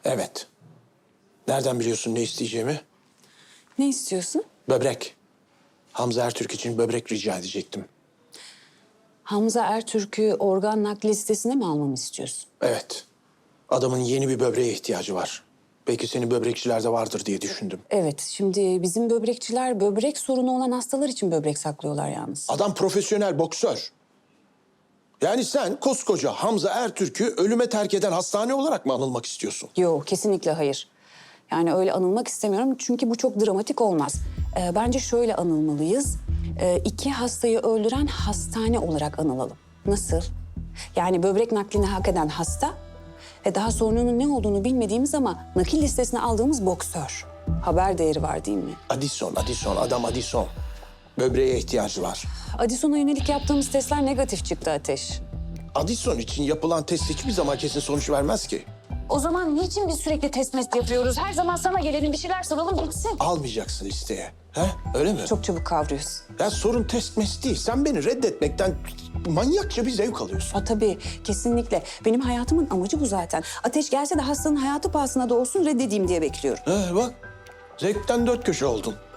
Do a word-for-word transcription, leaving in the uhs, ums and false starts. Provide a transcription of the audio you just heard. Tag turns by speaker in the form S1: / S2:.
S1: Evet. Nereden biliyorsun ne isteyeceğimi?
S2: Ne istiyorsun?
S1: Böbrek. Hamza Ertürk için böbrek rica edecektim.
S2: Hamza Ertürk'ü organ nakli listesine mi almamı istiyorsun?
S1: Evet. Adamın yeni bir böbreğe ihtiyacı var. Belki senin böbrekçilerde vardır diye düşündüm.
S2: Evet, şimdi bizim böbrekçiler böbrek sorunu olan hastalar için böbrek saklıyorlar yalnız.
S1: Adam profesyonel boksör. Yani sen koskoca Hamza Ertürk'ü ölüme terk eden hastane olarak mı anılmak istiyorsun?
S2: Yok, kesinlikle hayır. Yani öyle anılmak istemiyorum çünkü bu çok dramatik olmaz. Ee, bence şöyle anılmalıyız. Ee, iki hastayı öldüren hastane olarak anılalım. Nasıl? Yani böbrek naklini hak eden hasta ve daha sorununun ne olduğunu bilmediğimiz ama nakil listesine aldığımız boksör. Haber değeri var değil mi?
S1: Addison, Addison, adam Addison. Böbreğe ihtiyacı var.
S2: Addison'a yönelik yaptığımız testler negatif çıktı Ateş.
S1: Addison için yapılan test hiçbir zaman kesin sonuç vermez ki.
S2: O zaman niçin biz sürekli test mest yapıyoruz? Her zaman sana gelelim bir şeyler soralım bitsin.
S1: Almayacaksın listeye. He? Öyle mi?
S2: Çok çabuk kavruyorsun.
S1: Ya sorun test mes değil. Sen beni reddetmekten manyakça bir zevk alıyorsun.
S2: Ha, tabii, kesinlikle. Benim hayatımın amacı bu zaten. Ateş gelse de hastanın hayatı pahasına da olsun reddedeyim diye bekliyorum.
S1: He bak. Zevkten dört köşe oldun.